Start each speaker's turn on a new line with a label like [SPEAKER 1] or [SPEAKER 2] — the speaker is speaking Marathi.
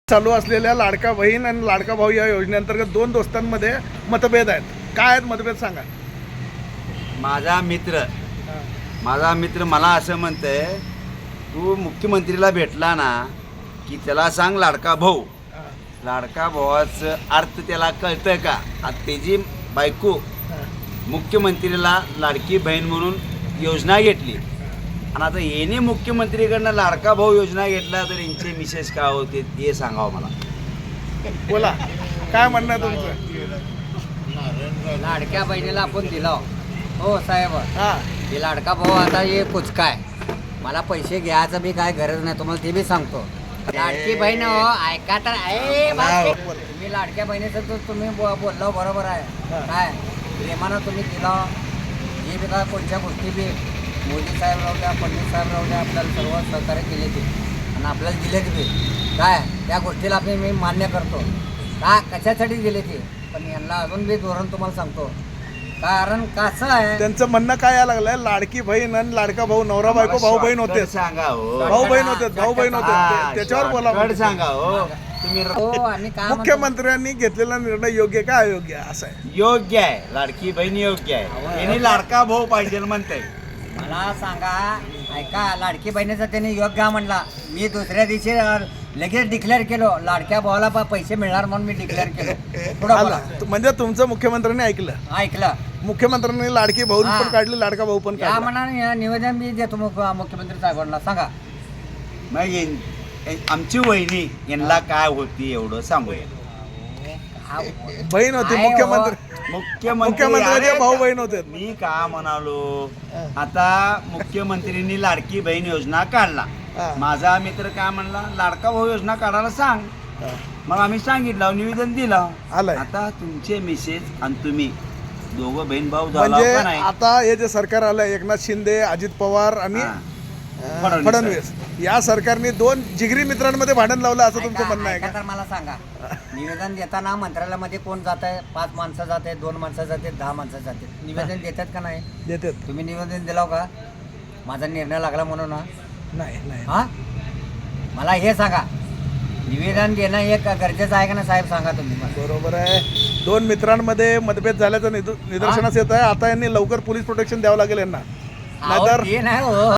[SPEAKER 1] चालू असलेल्या लाडका बहीण आणि लाडका भाऊ या योजनेअंतर्गत दोन दोस्तांमध्ये मतभेद आहेत. काय आहेत मतभेद सांगा.
[SPEAKER 2] माझा मित्र मला असं म्हणतंय, तू मुख्यमंत्रीला भेटला ना की त्याला सांग लाडका भाऊ. लाडका भावाचं अर्थ त्याला कळतं का? आता त्याची बायको मुख्यमंत्रीला लाडकी बहीण म्हणून योजना घेतली आणि आता येणे मुख्यमंत्रीकडनं लाडका भाऊ योजना घेतला तर यांचे मिसेस काय होते ते सांगावं मला.
[SPEAKER 1] बोला काय म्हणणं आहे तुमचं.
[SPEAKER 3] लाडक्या बहिणीला आपण दिला हो साहेब. हे लाडका भाऊ आता हे कुचका आहे. मला पैसे घ्यायचं बी काय गरज नाही, तुम्हाला ते बी सांगतो. लाडकी बहीण हो ऐका तर तुम्ही लाडक्या बहिणीचं तर तुम्ही बोललो बरोबर आहे. काय प्रेमानं तुम्ही दिला हे बी काय कोणत्या गोष्टी बी मोदी साहेब राहू द्या, फडणवीस साहेब राहू द्या, आपल्याला सर्व सहकार्य केले ते आणि आपल्याला दिले ते बी काय त्या गोष्टीला आपण मी मान्य करतो. का कशासाठी दिले ते, पण यांना अजून बी धोरण तुम्हाला सांगतो. कारण कसं आहे
[SPEAKER 1] त्यांचं म्हणणं काय यायला लागलंय, लाडकी बहीण आणि लाडका भाऊ नवरा बायको भाऊ बहीण होते.
[SPEAKER 2] सांगा
[SPEAKER 1] भाऊ बहीण होते, भाऊ बहीण होते. त्याच्यावर बोला
[SPEAKER 2] सांगा हो तुम्ही.
[SPEAKER 3] हो आणि काय
[SPEAKER 1] मुख्यमंत्र्यांनी घेतलेला निर्णय योग्य का अयोग्य असं आहे.
[SPEAKER 2] योग्य आहे, लाडकी बहीण योग्य आहे. यांनी लाडका भाऊ पाहिजे म्हणताय.
[SPEAKER 3] मला सांगा ऐका, लाडकी बहिणीचा त्यांनी योग्य म्हणला. मी दुसऱ्या दिवशी लगेच डिक्लेअर केलो लाडक्या भावाला पैसे मिळणार म्हणून मी डिक्लेअर केलो. पुढं बोला.
[SPEAKER 1] म्हणजे तुमचं मुख्यमंत्र्यांनी ऐकलं. मुख्यमंत्र्यांनी लाडकी भाऊ पण काढली, लाडका भाऊ पण
[SPEAKER 3] या
[SPEAKER 1] काढला.
[SPEAKER 3] मनाने निवेदन मी देतो मुख्यमंत्री साहेबांना. सांगा
[SPEAKER 2] मग आमची वहिनी यांना काय होती एवढं सांगूया.
[SPEAKER 1] बहीण होती. मुख्यमंत्र्यांचे भाऊ बहीण होते.
[SPEAKER 2] मी का म्हणालो, आता मुख्यमंत्र्यांनी लाडकी बहीण योजना काढला. माझा मित्र काय म्हणला, लाडका भाऊ योजना काढायला सांग. मग आम्ही सांगितलं, निवेदन दिलं. आता तुमचे मिसेस आणि तुम्ही दोघं बहीण भाऊ
[SPEAKER 1] म्हणजे
[SPEAKER 2] झाला नाही.
[SPEAKER 1] आता हे जे सरकार आलंय, एकनाथ शिंदे, अजित पवार आणि फडणवीस या सरकारने दोन जिगरी मित्रांमध्ये भांडण लावलं असं तुमचं म्हणणं आहे का?
[SPEAKER 3] तर मला सांगा, निवेदन देताना मंत्रालयामध्ये कोण जात आहे? 5 माणसं जाते, 2 माणसं जाते, 10 माणसं जाते. निवेदन देतात का नाही?
[SPEAKER 1] देतात.
[SPEAKER 3] तुम्ही निवेदन दिलाव का? माझा निर्णय लागला म्हणून
[SPEAKER 1] नाही.
[SPEAKER 3] हा मला हे सांगा, निवेदन देणं हे गरजेचं आहे का ना साहेब? सांगा तुम्ही मला.
[SPEAKER 1] बरोबर आहे. दोन मित्रांमध्ये मतभेद झाल्याचं निदर्शनास येत आहे. आता यांनी लवकर पोलीस प्रोटेक्शन द्यावं लागेल यांना, नाहीतर
[SPEAKER 3] ते नाही हो.